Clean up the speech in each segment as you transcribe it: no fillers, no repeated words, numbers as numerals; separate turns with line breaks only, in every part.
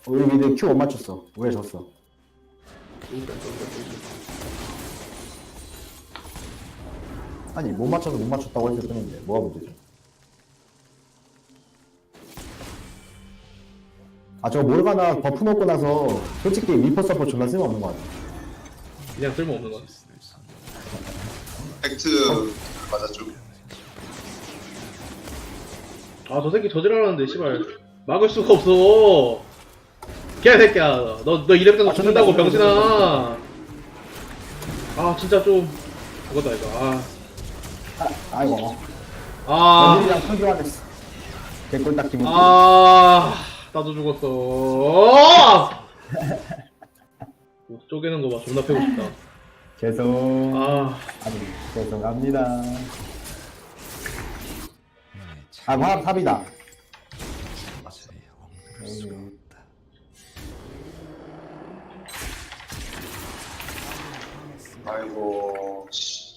우리 미드 Q 못 맞췄어. 왜 졌어? 아니 못 맞춰서 못 맞췄다고 했을 뿐인데 뭐가 문제죠? 아 저거 모르가나 버프 먹고 나서 솔직히 리퍼 서포 존나 쓸모없는 것 같아.
그냥 쓸모없는 거 같아.
팩트 맞았죠.
아, 저 새끼 저지랄하는데, 씨발. 막을 수가 없어. 개새끼야. 너 이럴 때도 죽는다고, 병신아. 아, 진짜 좀. 그거다, 이거.
아이고.
아.
연일이랑 평교환했어. 개꿀 딱 기분.
아. 나도 죽었어. 옷 쪼개는 거 봐. 존나 패고 싶다.
죄송.
아.
아니 죄송합니다. 아 바람 탑이다.
아이고.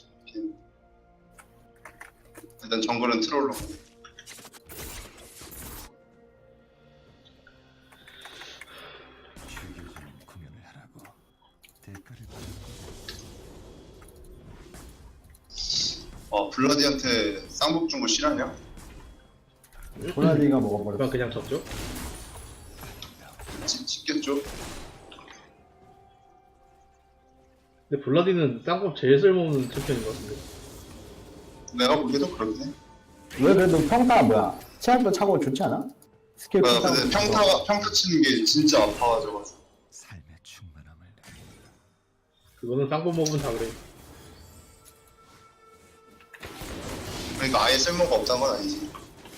일단 정글은 트롤로. 블라디한테 쌍복 준 거 실화냐?
호날디가 먹어버렸어.
그냥 졌죠?
찍겠죠?
근데 블라디는 쌍꺼 제일 쓸모없는 챔피언인 것 같은데.
내가 보기에도 그렇긴 해.
왜 그래도 평타 뭐야? 체력도 차고 좋지 않아? 스킬
근데 평타 치는 게 진짜 아파가지고.
그거는 쌍꺼 먹으면 다 그래.
그러니까 아예 쓸모가 없다는 건 아니지.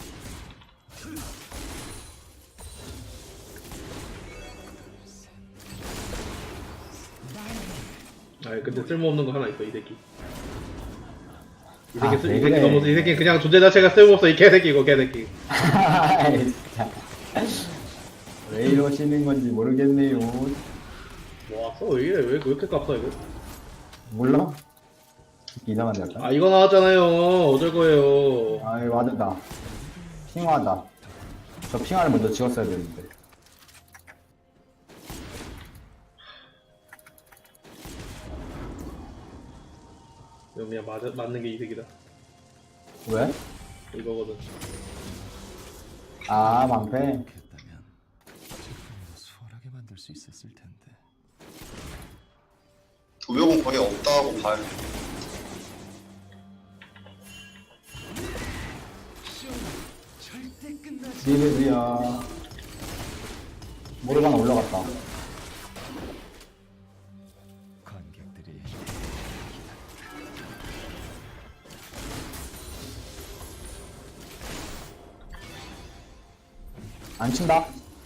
아, 근데 쓸모없는 거 하나 있어, 이 새끼. 이 새끼,
아,
이
왜
새끼
그래.
너무, 이 새끼 그냥 존재 자체가 쓸모없어, 이 개새끼, 이거 개새끼.
아이, 진짜. 왜 이러시는 건지 모르겠네요.
와, 왜 이래? 왜 이렇게 깝다, 이거?
몰라? 이상한데 약간?
아, 이거 나왔잖아요. 어쩔 거예요.
아이 와드다. 핑화다. 저 핑화를 먼저 지웠어야 되는데.
이거 그냥 맞는 게 이득이다.
왜?
이거거든.
아 망패.
했다면 조금이라도 수월하게 만들 수 있었을 텐데.
도벽은 거의 없다고 봐야 돼.
디베드야. 모르가나 올라갔다.
관객들이
안 친다.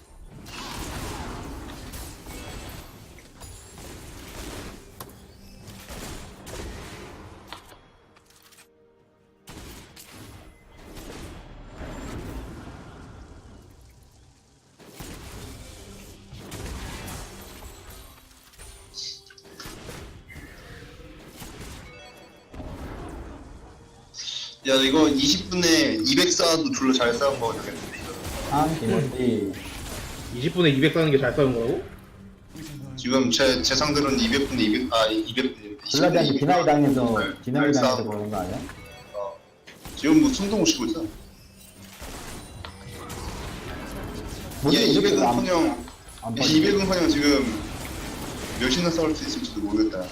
야 이거 20분에 200사도 둘러 잘 싸운 거 되겠는데.
아 김원디.
20분에 200 사는 게 잘 싸운 거라고?
지금 제 상들은 200분에 200분.
블라디한테 비나이 당해서 비나이 당해서 그런 거 아니야?
지금 뭐 숨도 못 쉬고 있어.
뭐지,
야
이렇게
200은
안-
커녕
안 빠지지?
200은 커녕 지금 몇이나 싸울 수 있을지도 모르겠다.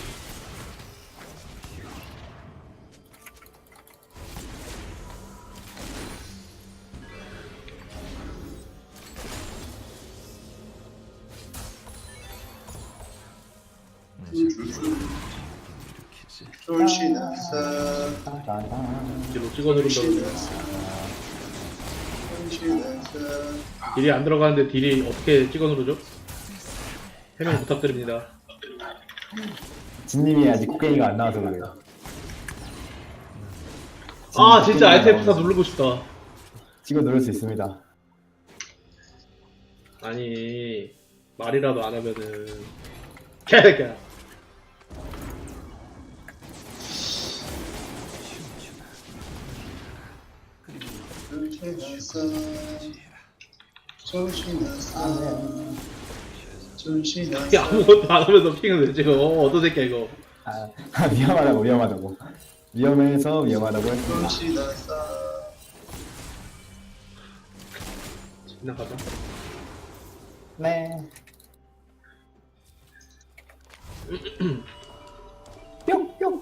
조심하자.
뒤로 찍어 누른다 그러네.
조심하자.
딜이 안 들어가는데 딜이 어떻게 찍어 누르죠? 해명 부탁드립니다.
진님이 아직 코게이가 안 나와서 그래요.
아, 진짜 알트 F4 누르고 싶다.
찍어 누를 수 있습니다.
아니, 말이라도 안 하면은 개새끼야.
조심하세요. 조심하세요.
야, 아무것도 안 하면서 핑을 왜 찍어? 어떤 새끼야 이거?
아, 위험하다고 위험하다고 위험해서 위험하다고 했습니다.
조심하세요.
지나가자.
네. 뿅 뿅.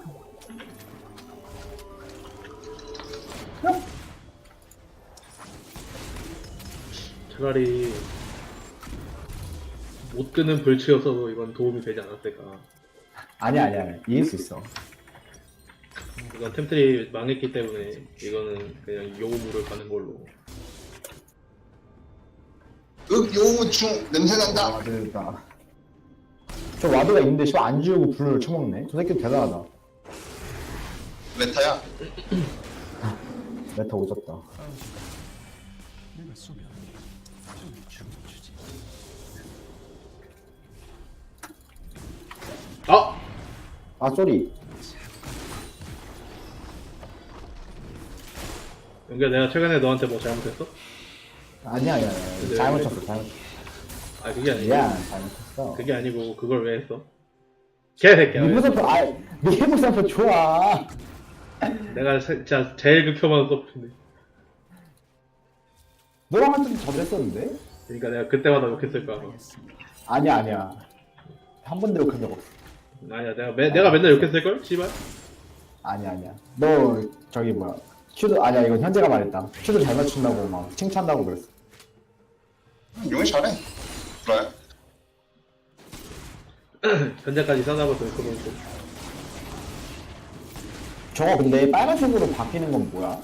뿅.
차라리 못 끄는 불치여서 이건 도움이 되지 않았을까.
아니야 이길 수 있어.
이건 템플이 망했기 때문에 이거는 그냥 요물을 가는 걸로.
요충 냄새 난다.
와드가 저 와드가 있는데 씨발 안 지우고 불을 쳐먹네. 저 새끼 대단하다.
메타야.
메타 오졌다.
내가 쏘면 좀 죽여주지.
아!
아 쏘리.
연기야, 내가 최근에 너한테 뭐 잘못했어?
아니야 잘못 쳤어 잘못.
아, 그게 아니고.
미안 잘못 쳤어.
그게 아니고 그걸 왜 했어? 개새끼야. 왜?
미부서프 미부서프 좋아.
내가 진짜 제일 극혐하는 서프인데.
너랑 한 때도 저도 했었는데?
그러니까 내가 그때마다 욕했을 거야.
아니야 한 번도 욕한 적 없어.
아니야, 내가 맨날 욕했을걸? 씨발?
아니야 너 저기 뭐야 큐도 아니야 이건 현재가 말했다. 큐도 잘 맞춘다고 막 칭찬한다고 그랬어.
용이 잘해. 그래.
현재까지 싸다고 그러고.
저거 근데 빨간색으로 바뀌는 건 뭐야?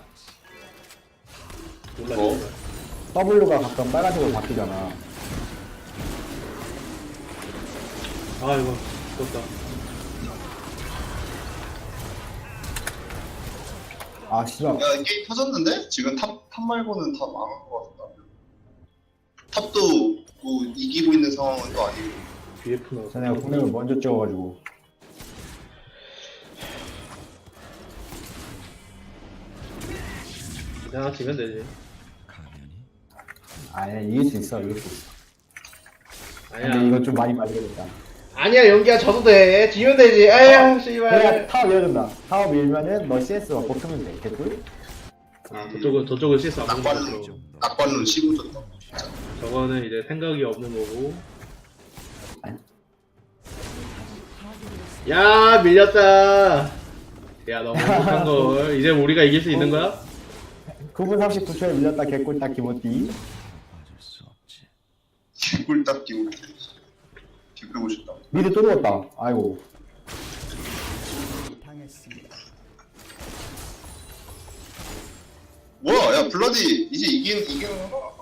몰라,
뭐?
씨발.
W가 가끔 빨간색으로 바뀌잖아.
아, 이거 죽었다.
아 씨발.
야 게임 터졌는데? 지금 탑 말고는 다 망한 것 같다. 탑도 뭐 이기고 있는 상황은 또 아니고.
BF 나왔어.
내가 공략을 먼저 찍어가지고.
내가 지면 되지.
가면이
아니야 이길 수 있어. 근데
아니야.
이거 좀 많이 맞으겠다.
아니야, 연기야, 져도 돼. 지면 되지. 아유,
내가
씨발.
타워 밀어준다. 타워 밀면은 너 CS 막 뽑히면 돼. 개꿀?
아, 저쪽은 CS 안 보는
낙관론
거죠.
낙관론 씹어줬다.
저거는 이제 생각이 없는 거고. 야, 밀렸다. 야, 너무 행복한 걸. 이제 우리가 이길 수 있는 거야?
9분 39초에 밀렸다. 개꿀 딱 기모띠.
봐줄 수 없지.
개꿀딱 끼고 개꿀고 싶다.
미드 또 누웠다. 아이고.
뭐야? 야 블라디 이제 이기는 거야.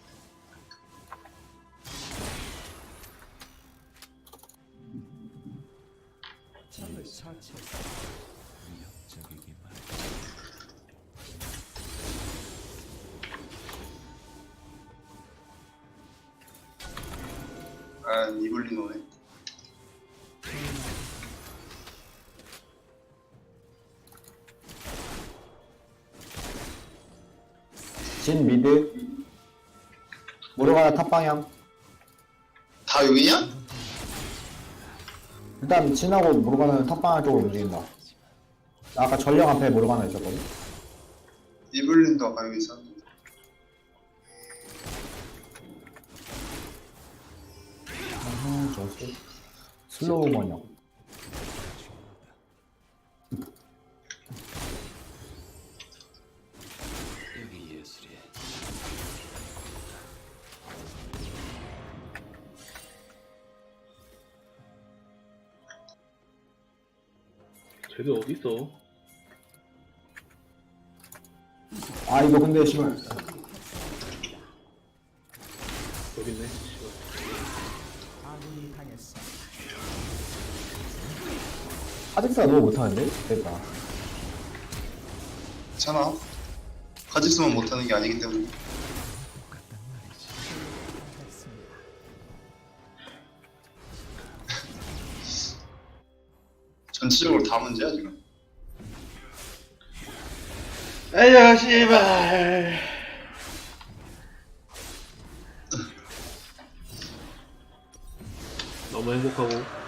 적을 처치했어. 위협적이기만.
아 이블린 오네.
진 미드. 모르가나 탑 방향.
다 여기냐?
일단 진하고 모르가나는 탑 방향 쪽으로 움직인다. 아까 전령 앞에 모르가나 있었거든.
이블린도 아까 여기 있었는데.
저 슬로우 번역.
여기 예술이야.
쟤들 어딨어?
아 이거 근데 씨발
여기 있네. 씨발.
아직사 너무 못하는데? 됐다.
괜찮아. 가지수만 못하는 게 아니기 때문에.
똑같단 말이지.
전체적으로 다 문제야 지금.
아야, 씨발. 너무 행복하고.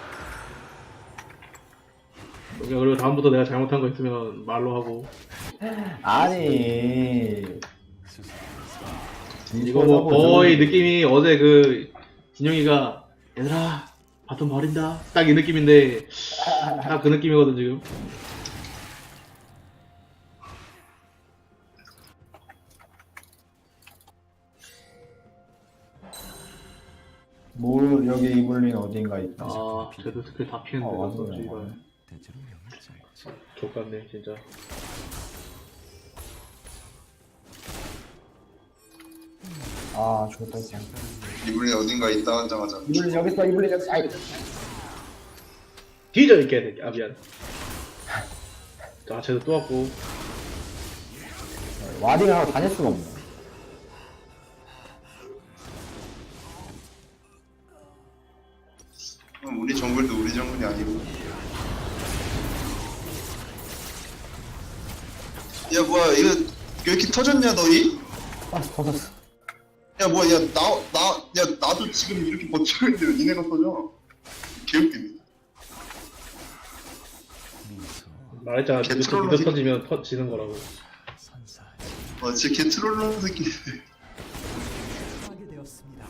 그리고 다음부터 내가 잘못한 거 있으면 말로 하고.
아니.
이거 뭐 거의 느낌이 어제 그 진영이가 얘들아 바텀 버린다 딱 이 느낌인데 딱 그 느낌이거든 지금.
뭘 여기 이블린 어딘가 있다.
아 쟤도 스킬 다 피했는데
맞네.
어, 이발
대체로 명이 짧지.
족같네 진짜.
아 좋다 그냥.
이블린 어딘가 있다 하자마자
이블린 여기 있어 이블린 여기. 아이.
뒤져 있게 해야 돼. 아 미안. 자 쟤도 또 왔고.
와딩을 하고 다닐 수가 없네.
그럼 우리 정글도 우리 정글이 아니고. 야 뭐야 이거 왜 이렇게 터졌냐 너희?
아 터졌어.
야 뭐야 야 나도 지금 이렇게 버티고 있는데 왜 니네가 터져? 개웃기네.
미소
말했잖아.
개트롤로
미드 터지면 터지는 거라고.
선사하지.
진짜 개 트롤러 새끼.
파괴되었습니다.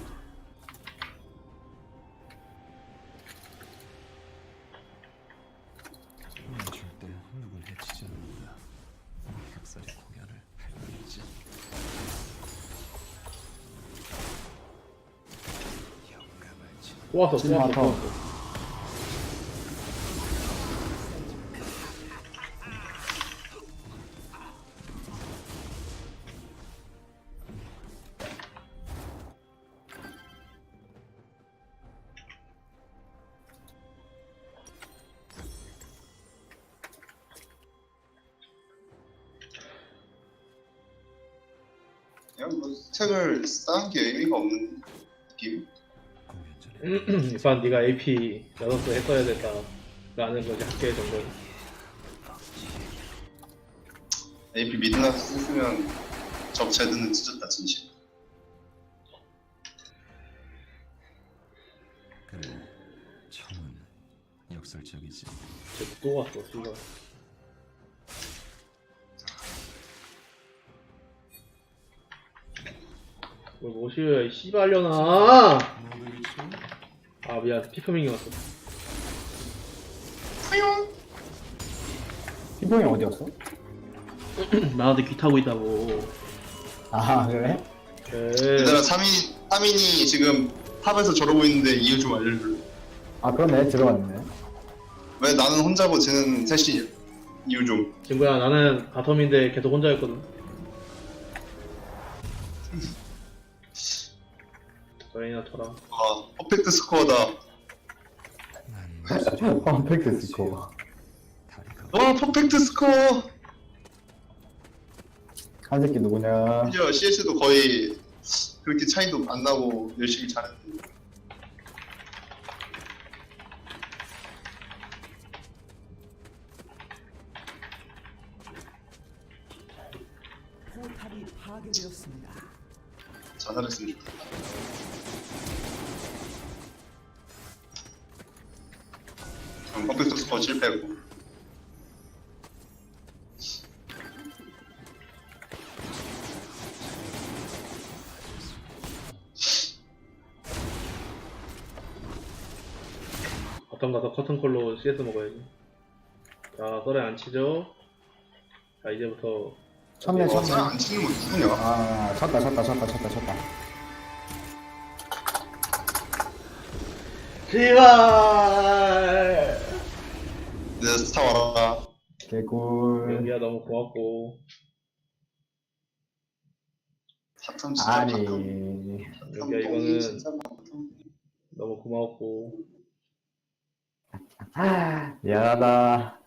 절대 누굴 해치지 않는다. 흑살의 공연을 할 뿐이지. 영감을 지.
또 왔어. 또
지금
왔어. 또
와서.
왔어.
그냥 뭐 스택을 쌓은 게 의미가 없는 느낌?
공연 전에
이판 네가 AP 6개 했어야 됐다 라는 거지 학계 정도.
AP 미드나서 쓰면 적 제드는 찢었다 진심.
그래. 청은 역설적이지.
쟤도 또 왔어. 씨발. 뭘 모시야 이 씨발려나.
모두 일치.
아 미안 피크밍이 왔어.
피봉이 어디였어?
나한테 귀 타고 있다고.
아 그래?
얘들아 3인이 지금 탑에서 저러고 있는데 이유 좀 알려줄래?
아 그러네 들어왔네.
왜 나는 혼자고 쟤는 셋이 이유 좀.
친구야 나는 바텀인데 계속 혼자였거든. 너희나 쳐라.
아 퍼펙트 스코어다.
난
퍼펙트 스코어.
다리가
와 퍼펙트 스코어.
한 새끼 누구냐?
심지어 CS도 거의 그렇게 차이도 안 나고 열심히 잘했는데.
포탑이 파괴되었습니다.
잘했으면 좋겠다. 그럼 퍼펙트 스코어 실패고.
바텀 가서 커튼콜로 CS 먹어야지. 자 썰에 안 치죠. 자 이제부터
쳤네
와,
쳤네.
사람 안 치는 거 누구냐?
아 쳤다.
제발.
내 스타 와라.
개꿀.
연기야 너무 고맙고.
사탐 진짜
아니.
바텀.
연기야 이거는
진짜 바텀.
너무 고마웠고.
미안하다.